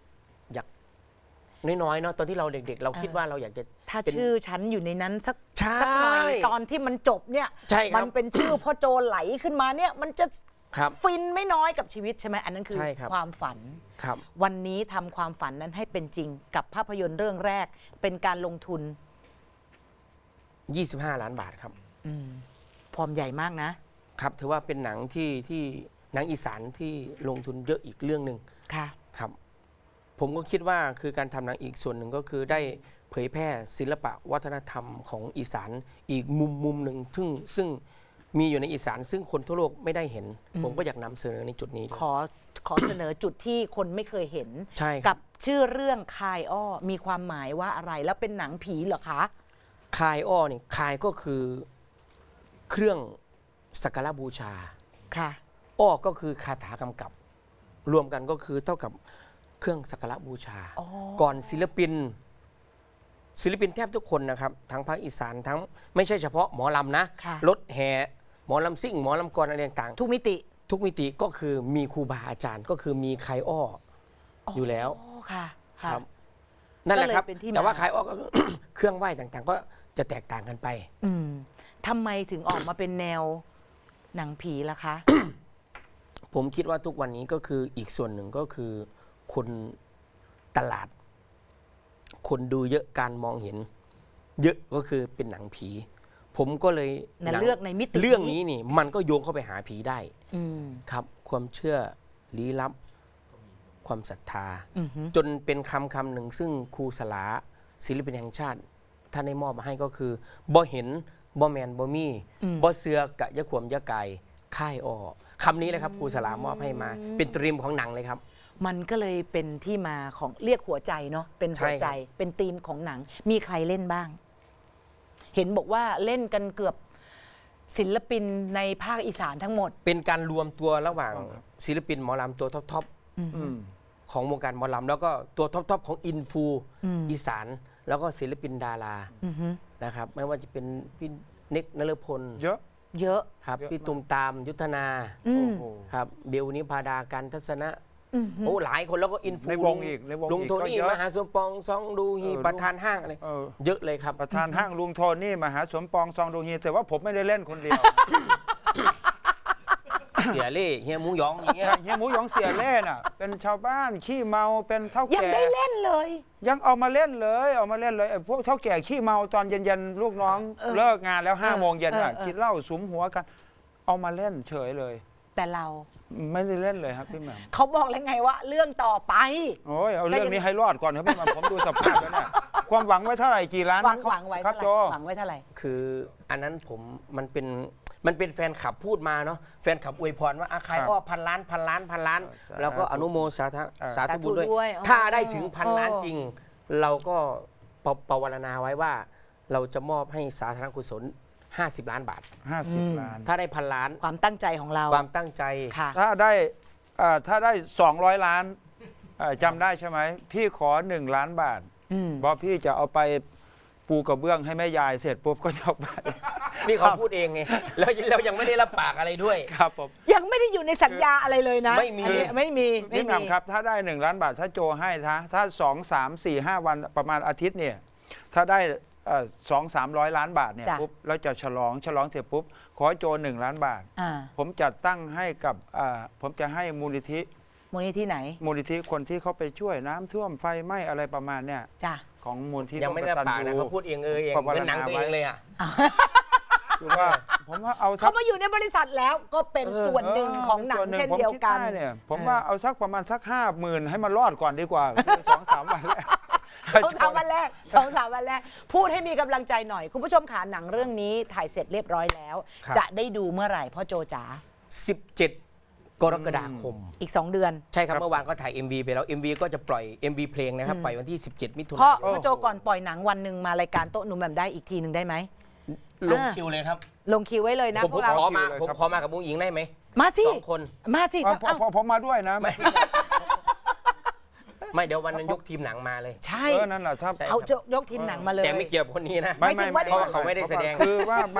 S1: อยากน้อยๆเนาะตอนที่เราเด็ก ๆ เราคิดว่าเราอยากจะ
S2: ถ้า
S1: เป็น
S2: ชื่อฉันอยู่ในนั้นสัก
S1: ใช่
S2: สัหน่อยตอนที่มันจบเนี่ย
S1: ใช่ครับ
S2: มันเป็นชื่อพ่อโจไหลขึ้นมาเนี่ยมันจะ
S1: ครับ
S2: ฟินไม่น้อยกับชีวิตใช่ไหมอันนั้นคือ
S1: ใช่ครับ
S2: ความฝัน
S1: ครับ
S2: วันนี้ทำความฝันนั้นให้เป็นจริงกับภาพยนตร์เรื่องแรกเป็นการลงทุน
S1: ยี่สิบห้าล้านบาทครับ
S2: อืมฟอร์มใหญ่มากนะ
S1: ครับถือว่าเป็นหนังที่ที่หนังอีสานที่ลงทุนเยอะอีกเรื่องหนึ่ง
S2: ค่ะ
S1: ครับ ผมก็คิดว่าคือการทำหนังอีกส่วนหนึ่งก็คือได้เผยแพร่ศิลปะวัฒนธรรมของอีสานอีกมุมมุมหนึ่งซึ่งซึ่งมีอยู่ในอีสาน ซึ่งคนทั่วโลกไม่ได้เห็น ผมก็อยากนำเสนอในจุดนี้ด้วย
S2: ขอขอเสนอจุดที่คนไม่เคยเห็น
S1: ใช่ครับ
S2: กับชื่อเรื่องคายอ้อมีความหมายว่าอะไรแล้วเป็นหนังผีเหรอคะ
S1: คายอ้อนี่คายก็คือเครื่องสักการะบูชา
S2: ค่ะ
S1: อ้อก็คือคาถากำกับ รวมกันก็คือเท่ากับเครื่องสักการะบูชา
S2: อ๋อ
S1: ก่อนศิลปิน ศิลปินแทบทุกคนนะครับทั้งภาคอีสานทั้งไม่ใช่เฉพาะหมอลำนะ
S2: ค่ะ
S1: รถแห่หมอลำซิ่งหมอลำกรอะไรต่าง
S2: ทุกมิติ
S1: ๆทุกมิติก็คือมีครูบาอาจารย์ ก็คือมีคายอ้ออยู่แล้ว
S2: โอ้ค่ะค่ะ
S1: ครับ นั่นแหละครับ
S2: ก็เลยเป็นที่มา
S1: แต่ว่าคายอ้อก็ เครื่องไหว้ต่างๆ ก็จะแตกต่างกันไป
S2: อืมทำไมถึงออกมาเป็นแนวหนังผีล่ะคะ
S1: ผมคิดว่าทุกวันนี้ก็คืออีกส่วนหนึ่งก็คือคนตลาด คนดูเยอะการมองเห็น เยอะก็คือเป็นหนังผี ผมก็เลย
S2: น่ะ
S1: หง
S2: เลือกในมิติ
S1: เรื่องนี้นี่ มันก็โยงเข้าไปหาผีได้
S2: อืม
S1: ครับ ความเชื่อลี้ลับ ความศรัทธา
S2: อือหือ
S1: จนเป็นคำคำหนึ่งซึ่งครูสลาศิลปินแห่งชาติท่านได้มอบมาให้ก็คือบ่เห็นบ่แมนบ่มีบ่เสือกะยะขวมยะไก่ค่ายอ้อคำนี้เลยครับครูสลามอบให้มา เป็นตรีมของหนังเลยครับ
S2: มันก็เลยเป็นที่มาของเรียกหัวใจเนาะเป็นหัวใจ
S1: ใช่ครับ
S2: เป็นธีมของหนัง มีใครเล่นบ้าง เห็นบอกว่าเล่นกันเกือบศิลปินในภาคอีสานทั้งหมด
S1: เป็นการรวมตัวระหว่างศิลปินหมอลำตัวท็อป
S3: อืม
S1: ๆของวงการหมอลำแล้วก็ตัวท็อปๆของอินฟูอีสาน แล้วก็ศิลปินดารา
S2: อือหือ
S1: นะครับ ไม่ว่าจะเป็นพี่เน็กนฤพล
S3: เยอะ
S2: เยอะ
S1: ครับ
S3: เยอะ
S1: พี่ตุมตามยุทธนา
S2: อืม
S3: โอ้โห
S1: ครับเบลนิพาดาการทัศนะ
S2: อือหือ
S1: โอ้หลายคนแล้วก็อินฟู
S3: ในวงอีกในวง
S1: ลุง
S3: อีก
S1: โท
S3: ก็
S1: นี่
S3: เยอะ
S1: มหาสมปองซองดูฮี
S3: เออ
S1: ประธานห้างอะไร
S3: เออ
S1: เยอะเลยครับ
S3: ประธานห้างลุงโทนี่มหาสมปองซองดูฮีแต่ว่าผมไม่ได้เล่นคนเดียว
S1: เสียเล่เฮียหมูหยองอย่างเงี้ย
S3: ใช่เฮียหมูหยองเสียเล่น่ะ เป็นชาวบ้านขี้เมาเป็นเท่า
S2: ยัง
S3: แก่
S2: ได้เล่นเลย
S3: ยังเอามาเล่นเลยเอามาเล่นเลยไอ้พวกเท่าแก่ขี้เมาตอนเย็นๆลูกน้อง
S2: เออ
S3: เลิกงานแล้วห้า
S2: เออ
S3: โมงเย็นอ่ะ
S2: เออเออ
S3: กินเหล้าสุมหัวกัน เอามาเล่นเฉยเลย
S2: แต่เรา
S3: ไม่ได้เล่นเลยครับพี่แหม่ม
S2: เขาบอกแล้วไงว่า เรื่องต่อไป
S3: โอ้ยเอาเรื่องนี้ให้รอดก่อนครับพี่แหม่มผมดูสภาพแล้วเนี่ยความหวังไว้เท่าไหร่กี่ล้าน
S2: หวัง
S3: ครับ
S2: หวังไว้
S3: ครั
S2: เท่า
S3: บ
S2: ไหร่
S3: โจ
S2: หวังไว้เท่าไหร่
S1: คืออันนั้นผมมันเป็นมันเป็นแฟนคลับพูดมาเนาะแฟนคลับอวยพรว่าอาคาย
S3: ครับ
S1: อ้อพันล้านพันล้านพันล้าน
S3: เออ
S1: แล้วก็อนุโมสาธา
S3: เออ
S1: สาธุบุญด้วย
S2: สาธุด้วยอ๋อ
S1: ถ้าได้ถึงพัน
S2: เออ
S1: ล้านจริง เราก็ปปวารณาไว้ว่า เราจะมอบให้สาธารณกุศลห้าสิบล้านบาท
S3: ห้าสิบล้าน
S1: ถ้าได้พันล้าน
S2: ความตั้งใจของเรา
S1: ความตั้งใจ
S2: ค่ะ
S3: ถ้าได้เอ่อถ้าได้สองร้อยล้านเอ่อจำได้ใช่ไหมพี่ขอหนึ่งล้านบาท
S2: อืม
S3: เพราะพี่จะเอาไปปูกระเบื้องให้แม่ยายเสร็จปุ๊บก็จะเอาไป
S1: นี่เขาพูดเองไงแล้วเรายังไม่ได้รับปากอะไรด้วย
S3: ครับผม
S2: ยังไม่ได้อยู่ในสัญญาอะไรเลยนะ
S1: ไม่มี
S2: อันนี้ไม่มีไม่
S3: พี่แห
S2: มี
S3: ม่มครับถ้าได้หนึ่งล้านบาทถ้าโจให้ถ้าถ้าสองสามสี่ห้าวันประมาณอาทิตย์เนี่ยถ้าได้สองสามร้อยล้านบาทเนี่ย
S2: จ้ะ
S3: ปุ๊บแล้วจะฉลองฉลองเสร็จปุ๊บขอโจหนึ่งล้านบาท
S2: อ่า
S3: ผมจัดตั้งให้กับอ่าผมจะให้มูลนิธิ
S2: มูลนิธิไหน
S3: มูลนิธิคนที่เขาไปช่วยน้ำท่วมไฟไหม้อะไรประมาณเนี่ย
S2: จ้ะ
S3: ของมูลที่
S1: ยังไม่ได้รับปากนะเขาพูดเองเออเอง
S3: ปวาร
S1: เป็นหนัง
S3: ณา
S1: ตัวเองเลยอ่ะ
S3: คือว่าผมว่าเอาสั
S2: เขา
S3: ก
S2: มาอยู่ในบริษัทแล้วก็เป็น
S1: เออ
S2: ส่วนหนึ่งของหนัง
S3: ส่ว
S2: เช่น
S3: ผม
S2: เดียวกัน
S3: คิเนี่ยผม
S2: เออ
S3: ว่าเอาสักประมาณสักห้าหมื่นให้มันรอดก่อนดีกว่า สองสามวันแรก
S2: สองสามวันแรกสองสามวันแรก พูดให้มีกำลังใจหน่อย คุณผู้ชมขาหนังเรื่องนี้ถ่ายเสร็จเรียบร้อยแล้ว
S1: ครับ
S2: จะได้ดูเมื่อไหร่พ่อโจจ๋า
S1: สิบเจ็ดกรกฎาคม
S2: อีกสองเดือน
S1: ใช่ครับเมื่อวานก็ถ่าย เอ็ม วี ไปแล้ว เอ็ม วี ก็จะปล่อย เอ็ม วี เพลงนะครับ ปล่อยวันที่ สิบเจ็ด มิถุ
S2: พ่อน
S1: ายน
S2: พ่อโจก่อนปล่อยหนังวันหนึ่งมารายการโต๊ะหนุ่มแบบได้อีกทีหนึ่งได้ไหม
S1: ลงคิวเลยครับ
S2: ลงคิวไว้เลยนะ
S1: ผม
S2: พวกเรา
S1: ขอมา
S3: เลย
S1: ผม
S3: ครับ
S1: ขอมากับบุ้งหญิงได้ไหม
S2: มาสิ
S1: สองคน
S2: มาสิ
S3: เอาพอ
S2: เอ้า
S3: พอผมมาด้วยนะ
S1: ไม่เดี๋ยววันนั้นยกทีมหนังมาเลย
S2: ใช่
S3: เออนั่นแหละถ้า
S1: ใช่
S2: เอายกทีมหนังมาเลย
S1: แต่ไม่เกี่ยวกับคนนี้นะ
S2: หมายถึงว่า
S1: เพราะว่าเขาไม่ได้แสดง
S3: คือว่าไม่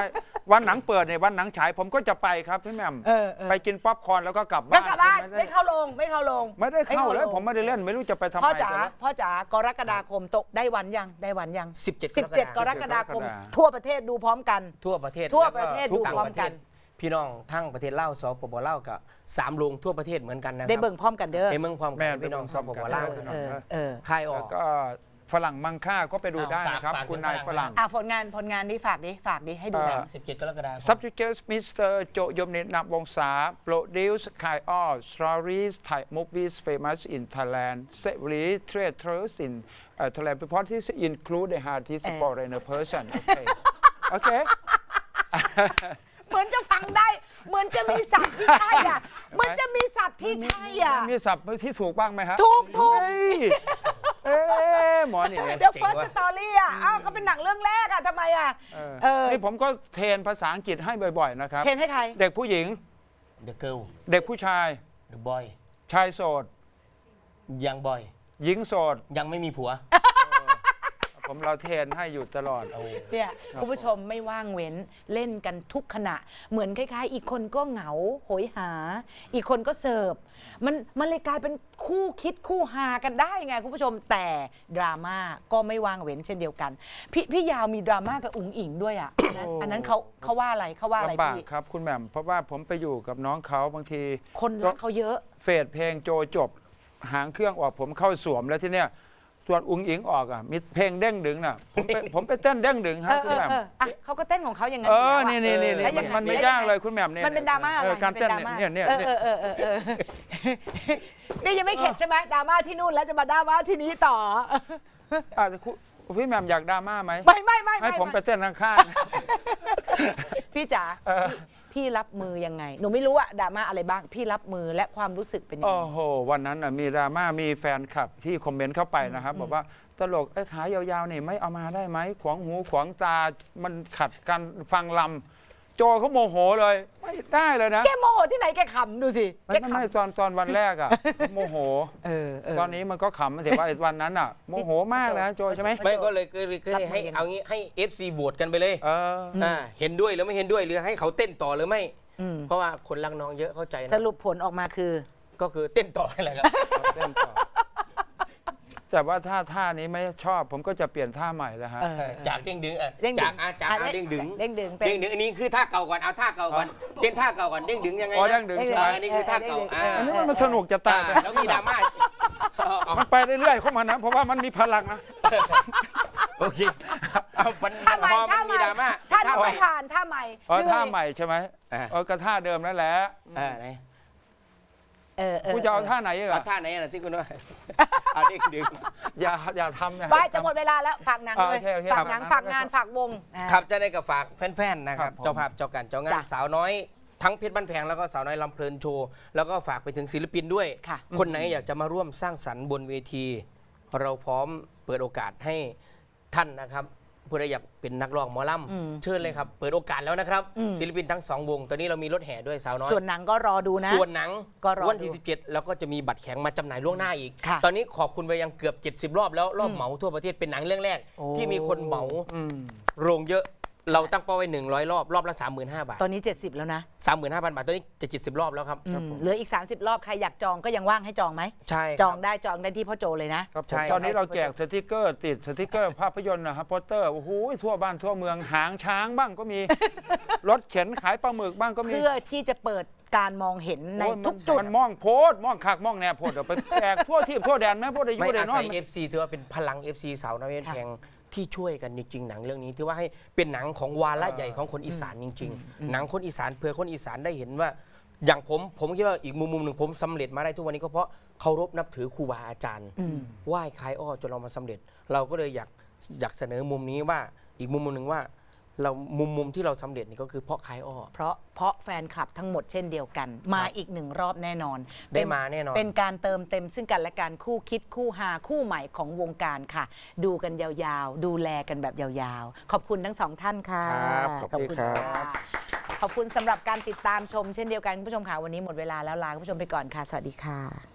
S3: วันหนังเปิดเนี่ยวันหนังฉายผมก็จะไปครับพี่แหม่ม
S2: เออเออ
S3: ไปกินป๊อปคอร์นแล้วก็กลับ
S2: แล้
S3: บ้า
S2: วน กลับบ้าน
S3: ไม่
S2: ไม่
S3: ได้
S2: เข้าลงไม่เข้าลง
S3: ไม่ได้เข้าเลย
S2: ง
S3: ผมไม่ได้เล่นไม่รู้จะไปทำไม
S2: พ่อจ๋า
S3: กันแล้ว
S2: พ่อจ๋ากรกฎาคมตกได้วันยังได้วันยัง
S1: สิบเจ็ด
S2: สิบเจ็ดกรกฎาคม
S3: กรกฎาคม
S2: ทั่วประเทศดูพร้อมกัน
S1: ทั่วประเทศ
S2: ทั่วประเทศ
S1: แล้ว
S2: ดู
S1: ต่าง
S2: พร้อม
S1: ประเท
S2: กั
S1: ศ
S2: น
S1: พี่น้องทั้งประเทศลาวสปปลาวกับสามโรงทั่วประเทศเหมือนกันนะครับ
S2: ได้เบิ่งพร้อมกันเด้อ
S1: ในเมืองความ
S3: แม่
S1: กันพี่น้องสปปลาว
S2: เออเออ
S1: ค่ายออ
S3: แล้
S1: ก
S3: วก็ฝรั่งมังค่าก็ไปดูได้นะครับ
S1: ฝาก
S3: คุณ
S1: ฝาก
S3: นาย
S1: ฝาก
S3: ฝรั่ง
S2: อ่ะผลงานผลงานนี้ฝากดิฝากดิให้ดูหน่อย
S1: สิบเจ็ดกรกฎาคม
S3: Subject Mister โจยมนิตนับวงศา Produce Kai All Stories Thai Movies Famous in Thailand Series Theaters in uh, Thailand Properties include the artist
S2: เออ
S3: foreigner person โอเคโอเค
S2: เหมือนจะฟังได้ เหมือนจะมีศัพท์ที่ใช่อ่ะเหมือนจะมีศัพท์ที่ใช่อ่ะ
S3: มีศัพท์ที่ถูกบ้างไหมฮะ
S2: ถูกถูก
S3: เฮ้ยเอ๊ะหมอนี่ไง
S2: The First Story อ่ะอ้าวเขาเป็นหนังเรื่องแรกอ่ะทำไมอ่ะ
S3: เออ
S2: เออ
S3: นี่ผมก็เทรนภาษาอังกฤษให้บ่อยๆนะครับ
S2: เห็นให้ใคร
S3: เด็กผู้หญิง
S1: The Girl
S3: เด็กผู้ชาย
S1: The Boy
S3: ชายโสด
S1: ยังบอย
S3: หญิงโสด
S1: ยังไม่มีผัว
S3: ผมเราเทรนให้อยู่ตลอด
S2: เนี่ยคุณผู้ชมไม่ว่างเว้นเล่นกันทุกขณะ เหมือนคล้ายๆ อีกคนก็เหงาโหยหา อีกคนก็เสิร์ฟมันมันเลยกลายเป็นคู่คิดคู่หากันได้ไงคุณผู้ชมแต่ดราม่าก็ไม่ว่างเว้นเช่นเดียวกัน พี่พี่ยาวมีดราม่ากับอุ๋งอิงด้วยอ่ะ อันนั้นอันนั้นเขาเขาว่าอะไรเขาว่าอะไร
S3: ลำบาก
S2: พี่
S3: ครับคุณแหม่มเพราะว่าผมไปอยู่กับน้องเขาบางที
S2: คนรักเขาเยอะ
S3: เฟดเพลงโจจบ หางเครื่องออกผมเข้าสวมแล้วที่เนี้ยส่วนอุ้งอิงออกอ่ะมีเพลงเด้งดึงน่ะผมไปผมไปเต้นเด้งดึงค
S2: เอ
S3: รับ
S2: อ
S3: คุ
S2: เอ
S3: ณ
S2: อ
S3: แหม่ม
S2: เอออ่ะเขาก็เต้นของเขาอย่างนั้น
S3: เอ
S2: อยู่
S3: อ
S2: แล้วะ
S3: นี่นี่นี่
S2: แล้วยังไง
S3: มันไม่
S2: แล้ว
S3: ยาก
S2: งง
S3: เลยคุณแหม่มเนี่ย
S2: มันเป็นดราม่าอะไร
S3: เออการเต้น
S2: ป็ดราม่า
S3: เนี่ยเนี่ย
S2: เอ
S3: เนี่ย
S2: อเออเออเออเออนี่ยังไม่เข็ดใช่ไหมดราม่าที่นู่นแล้วจะมาดราม่าที่นี้ต่อ
S3: อ่ะแต่คุณพี่แหม่มอยากดราม่าไหม
S2: ไม่ไม่ไม่
S3: ให้ผมไป
S2: ไม่
S3: เต้นข้าง
S2: พี่จ๋า
S3: เออ
S2: พี่พี่รับมือยังไง หนูไม่รู้อะดราม่าอะไรบ้าง พี่รับมือและความรู้สึกเป็นยัง
S3: โอ้
S2: ไง
S3: โหวันนั้นน่ะมีดราม่ามีแฟนคลับที่คอมเมนต์เข้าไปนะครับบอกว่าตลกไอ้ขายาวๆนี่ไม่เอามาได้ไหมขวางหูขวางตามันขัดการฟังลำโจเขาโมโหเลยไม่ได้เลยนะ
S2: แกโมโหที่ไหนแกขำดูสิ
S3: ไม่
S2: แก
S3: ไม่
S2: ข
S3: ไม่ตอนตอนวันแรกอ่ะ โมโห
S2: ำเออเออ
S3: ตอนนี้มันก็ขำแต่ว่าไอ้วันนั้นอ่ะโมโหมากนะโจใช่ไหม
S1: ไม่ก็เลยก็เลยก็เลยให้
S2: รับมือยังไง
S1: เอางี้ให้ เอฟ ซี โหวตกันไปเลย
S3: เออ
S1: อ่าเห็นด้วยหรือไม่เห็นด้วยหรือให้เขาเต้นต่อหรือไม่
S2: อืม
S1: เพราะว่าคนรักน้องเยอะเข้าใจ
S2: ส
S1: นะ
S2: รุปผลออกมาคือ
S1: ก็คือเต้นต่อแหละครับ
S3: เล่นต่อแต่ว่าถ้าท่านี้ไม่ชอบผมก็จะเปลี่ยนท่าใหม่แล้วฮะ
S2: เออ
S1: จากเด้งดึงเออ
S2: เด้งดึง
S1: จากอาจาก
S2: อ่ะ
S1: อาเด้งดึง
S2: เด้งดึงเป็น
S1: เด้งดึงอันนี้คือท่าเก่าก่อนเอาท่าเก่าก่อนเต้นท่าเก่าก่อนเด้งดึงยังไง
S3: อ๋อ
S1: นะ
S3: เด้งดึงใช่ไหม
S1: อันนี้คือท่าเก่าอ่า
S3: อันนี้มันมันสนุกจะตายไป
S1: อ่าแล้วมีดราม่าเอา
S3: มันไปเรื่อยๆเข้ามานะเพราะว่ามันมีพลังนะ
S1: โอเคเอามัน
S2: ท่าใหม่
S1: พอมั
S2: ท่าน ให
S1: มี
S2: ม่
S1: ดราม่า
S2: ท่าหนู
S1: ใหม่
S2: ไม่ผ่านท่าใหม่
S3: อ๋อ
S2: เหนื่อย
S3: ท่าใหม่ใช่ไหม
S1: อ่า
S3: เออก็ท่าเดิมนั่นแหละ
S1: อ่าไหน
S2: เออเออ
S3: กูจะเอาท่าไหนอีก
S1: เอา
S3: อะ
S1: ท่าไหนอ่ะที่คุณว่าเอาเด้งดึง
S3: อย่าอย่าทำนะ
S2: ไปจะหมดเวลาแล้วฝากหนัง
S3: อ่า
S2: เลย
S3: โอเคโอเค
S2: ฝากหนัง
S3: ครับ
S2: ฝากงานฝากวงอ่า
S1: ครับจะได้กับฝากแฟนๆนะค
S3: ครั
S1: รับบ
S3: ผม
S1: เจ้าภาพเจ้าการเจ้างาน
S2: จ้ะ
S1: สาวน้อยทั้งเพชรบ้านแพงแล้วก็สาวน้อยลำเพลินโชว์แล้วก็ฝากไปถึงศิลปินด้วย
S2: ค่ะ
S1: คนไหนอยากจะมาร่วมสร้างสรรค์บนเวที เราพร้อมเปิดโอกาสให้ท่านนะครับผู้ใดอยากเป็นนักร้องหมอลำเชิญเลยครับเปิดโอกาสแล้วนะครับ ศิลปินทั้งสองวง ตอนนี้เรามีรถแห่ด้วยสาวน้อย
S2: ส่วนหนังก็รอดูนะ
S1: ส่วนหนัง
S2: ก็รอ
S1: วันที่
S2: ดู
S1: สิบเจ็ดแล้วก็จะมีบัตรแข็งมาจำหน่ายล่วงหน้าอีก
S2: ค่ะ
S1: ตอนนี้ขอบคุณไปยังเกือบเจ็ดสิบรอบแล้วรอบเหมาทั่วประเทศเป็นหนังเรื่องแรก
S2: โอ้
S1: ที่มีคนเหมา
S3: อืม
S1: โรงเยอะเราตั้งเป้าไว้หนึ่งร้อยรอบรอบละสามหมื่นห้าบาท
S2: ตอนนี้เจ็ดสิบแล้วนะ
S1: สามหมื่นห้าพันบาทตอนนี้จะเจ็ดสิบรอบแล้วครับ
S2: อืมเหลืออีกสามสิบรอบใครอยากจองก็ยังว่างให้จองไหม
S1: ใช่
S2: จองได้จองได้ที่พ่อโจเลยนะ
S3: ครับผม
S1: ใช่
S3: ตอนนี้เราแจกสติกเกอร์ติดสติกเกอร์ภาพยนตร์นะครับโปสเตอร์โอ้โหทั่วบ้านทั่วเมืองหางช้างบ้างก็มี รถเข็นขายปลาหมึกบ้างก็มี
S2: เพื่อที่จะเปิดการมองเห็นใน
S3: โอ้ย
S2: ทุกจุด
S3: มันมองโพดมองคักมองแนวโพดเดี๋ยวไปแจกทั่วที่ทั่วแดนแม่พวกได้อ
S1: ไม่
S3: ยู่ได้
S1: อาน
S3: อ
S1: ศั
S3: น
S1: ย เอฟ ซี ถือว่าเป็นพลัง เอฟ ซี สาวน้อยเพชรแพงที่ช่วยกันจริงๆหนังเรื่องนี้ถือว่าให้เป็นหนังของวาระใหญ่ของคนอีสานจริง ๆ หนังคนอีสานเพื่อคนอีสานได้เห็นว่า อย่างผมผมคิดว่าอีกมุมมุมหนึ่งผมสำเร็จมาได้ทุกวันนี้ก็เพราะเคารพนับถือครูบาอาจารย์ไหว้คล้ายอ้อจนเรามาสำเร็จ เราก็เลยอยากอยากเสนอมุมนี้ว่าอีกมุมมุมหนึ่งว่าเรามุมมุมที่เราสำเร็จนี่ก็คือเพราะคล้ายอ้อ
S2: เพราะเพราะแฟนคลับทั้งหมดเช่นเดียวกัน มาอีกหนึ่งรอบแน่นอน
S1: ได้
S2: เป็
S1: มาแน่นอน
S2: เป็นการเติมเต็มซึ่งกันและกันคู่คิดคู่หาคู่ใหม่ของวงการค่ะ ดูกันยาวๆ ดูแลกันแบบยาวๆ ขอบคุณทั้งสองท่านค่ะ
S3: ครับขอบคุณครับ
S2: ะขอบคุณสำหรับการติดตามชมเช่นเดียวกันคุณผู้ชมค่ะวันนี้หมดเวลาแล้วลาคุณผู้ชมไปก่อนค่ะสวัสดีค่ะ